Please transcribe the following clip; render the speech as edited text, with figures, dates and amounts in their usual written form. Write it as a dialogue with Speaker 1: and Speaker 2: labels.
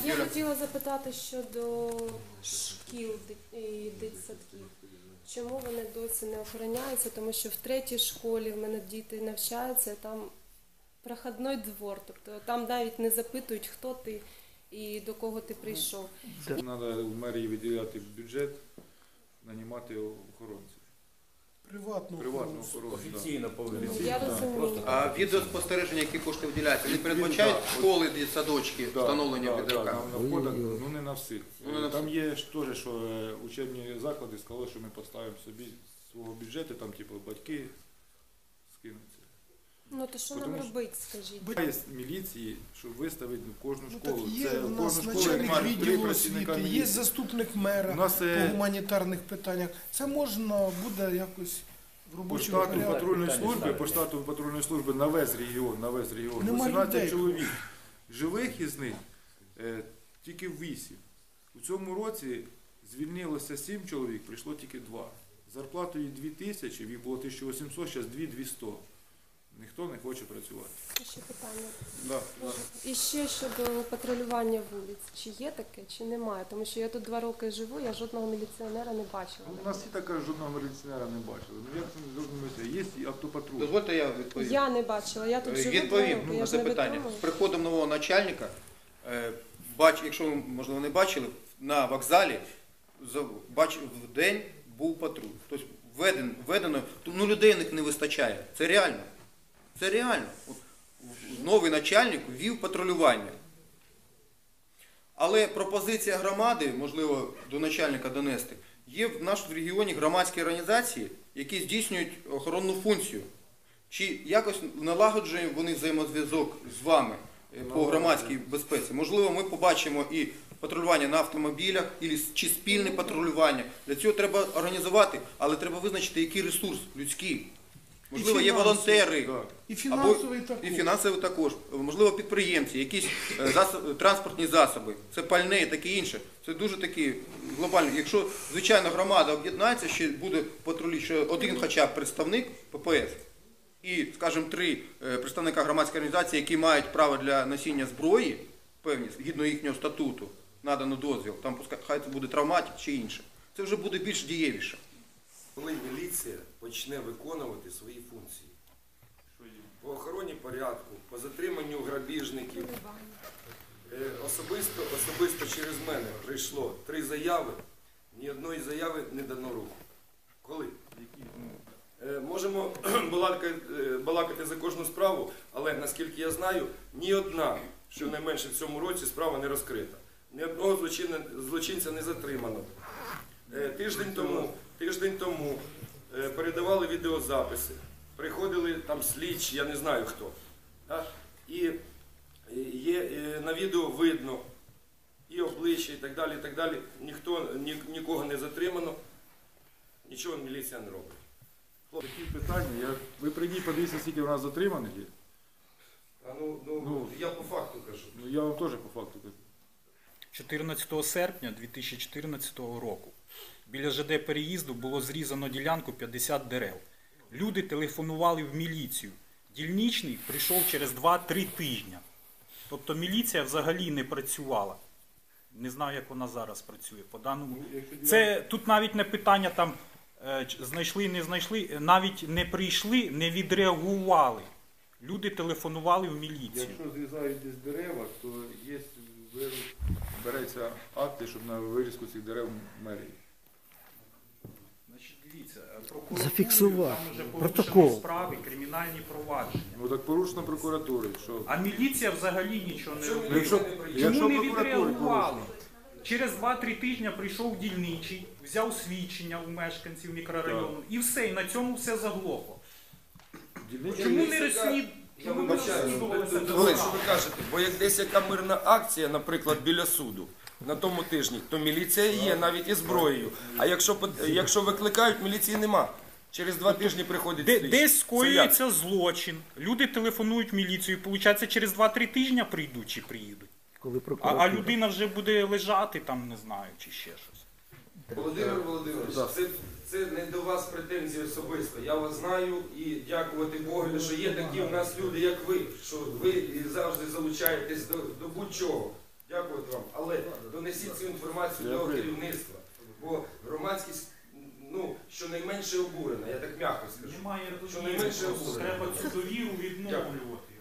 Speaker 1: Я хотіла запитати щодо шкіл і дитсадків. Чому вони досі не охороняються? Тому що в третій школі в мене діти навчаються, там проходний двор, тобто там навіть не запитують, хто ти і до кого ти прийшов.
Speaker 2: Треба в мерії виділяти бюджет, нанімати охоронців.
Speaker 3: Приватну охорону.
Speaker 4: Офіційно повинні.
Speaker 1: Я розумію.
Speaker 5: А відеоспостереження, які кошти виділяються, вони передбачають школи, садочки, встановлення відеокамер?
Speaker 2: На входах, ну не на всіх. Там є теж, що учебні заклади сказали, що ми поставимо собі свого бюджету, там типу батьки скинуться.
Speaker 1: Ну то що нам робити, скажіть?
Speaker 2: Є міліції, щоб виставити кожну
Speaker 3: Ну,
Speaker 2: школу.
Speaker 3: так є
Speaker 2: Це
Speaker 3: у
Speaker 2: кожну
Speaker 3: нас
Speaker 2: школу
Speaker 3: начальник
Speaker 2: мають 3
Speaker 3: відділу
Speaker 2: працівника
Speaker 3: освіти, є
Speaker 2: міліції.
Speaker 3: заступник мера
Speaker 2: У нас,
Speaker 3: по гуманітарних питаннях. Це можна буде якось в
Speaker 2: По
Speaker 3: робочому
Speaker 2: штату патрульної служби на весь регіон,
Speaker 3: Нема
Speaker 2: 18
Speaker 3: людей.
Speaker 2: чоловік. Живих із них тільки 8. У цьому році звільнилося 7 чоловік, прийшло тільки 2. Зарплатою 2000, їх було 1800, зараз 2200. Ніхто не хоче працювати.
Speaker 1: Ще питання.
Speaker 2: Да.
Speaker 1: І ще щодо патрулювання вулиць. Чи є таке, чи немає? Тому що я тут 2 роки живу, я жодного міліціонера не бачила.
Speaker 2: У нас і така жодного міліціонера не бачили. Ну як це не зрозумілося? Є і автопатруль.
Speaker 5: Дозвольте я відповім.
Speaker 1: Я не бачила, я тут живу 2
Speaker 5: Відповім
Speaker 1: роки,
Speaker 5: на
Speaker 1: я ж
Speaker 5: це
Speaker 1: не
Speaker 5: питання.
Speaker 1: відомо.
Speaker 5: З приходом нового начальника, якщо ви, можливо, не бачили, на вокзалі в день був патруль. Тобто введено, ну людей не вистачає. Це реально. Це реально. Новий начальник ввів патрулювання. Але пропозиція громади, можливо, до начальника донести, є в нашому регіоні громадські організації, які здійснюють охоронну функцію. Чи якось налагоджують вони взаємозв'язок з вами по громадській безпеці? Можливо, ми побачимо і патрулювання на автомобілях, чи спільне патрулювання. Для цього треба організувати, але треба визначити, який ресурс людський. Можливо, є волонтери.
Speaker 3: І фінансовий також.
Speaker 5: І фінансовий також. Можливо, підприємці, якісь транспортні засоби, це пальне і таке інше. Це дуже такі глобальні. Якщо, звичайно, громада об'єднається, ще буде патрулі, ще один хоча б представник ППС і, скажімо, 3 представника громадської організації, які мають право для носіння зброї, певні, згідно їхнього статуту, надано дозвіл, там хай це буде травматик чи інше. Це вже буде більш дієвіше.
Speaker 4: Коли міліція почне виконувати свої функції по охороні порядку, по затриманню грабіжників, особисто через мене прийшло 3 заяви, ні одної заяви не дано руху. Коли? Можемо балакати за кожну справу, але наскільки я знаю, ні одна, щонайменше в цьому році, справа не розкрита. Ні одного злочинця не затримано. Тиждень тому передавали відеозаписи, приходили там слідчі, я не знаю хто. І на відео видно і обличчя, і так далі. Нікого не затримано, нічого міліція не робить.
Speaker 2: Такі питання, ви прийдіть, подивіться, скільки у нас затриманих є.
Speaker 4: Я по факту кажу.
Speaker 2: Ну я вам теж по факту кажу.
Speaker 6: 14 серпня 2014 року біля ЖД переїзду було зрізано ділянку 50 дерев. Люди телефонували в міліцію. Дільничний прийшов через 2-3 тижні. Тобто міліція взагалі не працювала. Не знаю, як вона зараз працює. По даному... Тут навіть не питання там знайшли, не знайшли, навіть не прийшли, не відреагували. Люди телефонували в міліцію.
Speaker 2: Якщо зрізають десь дерева, то є, береться акти, щоб на вирізку цих дерев мерії.
Speaker 6: Значить, дивіться, прокуратура,
Speaker 3: Зафіксувати.
Speaker 6: там вже
Speaker 3: Протокол.
Speaker 6: порушені справи, кримінальні провадження.
Speaker 2: Ну так порушено прокуратури. Що?
Speaker 6: А міліція взагалі нічого не робила.
Speaker 2: Якщо
Speaker 6: Чому не
Speaker 2: прокуратура
Speaker 6: відреагували? Через 2-3 тижні прийшов дільничий, взяв свідчення у мешканців мікрорайону і все, і на цьому все заглохло. Чому не розслідували?
Speaker 4: Я вибачаю, що ви кажете, бо як десь яка мирна акція, наприклад, біля суду, на тому тижні, то міліція є, навіть і зброєю. А якщо викликають, міліції нема. Через 2 тижні приходять слідчі.
Speaker 6: Десь скоюється злочин, люди телефонують в міліцію, і, виходить, через 2-3 тижні прийдуть чи приїдуть. А людина вже буде лежати там, не знаю, чи ще щось.
Speaker 4: Володимир Володимирович, це не до вас претензії особисто. Я вас знаю і дякувати Богу, що є такі в нас люди, як ви, що ви завжди залучаєтесь до будь-чого. Дякую вам. Але донесіть цю інформацію до керівництва, бо громадськість, ну, щонайменше обурена, я так м'яко скажу.
Speaker 6: Немає
Speaker 4: Що найменше
Speaker 6: довіри,
Speaker 4: обурення.
Speaker 6: треба цю довіру відновлювати.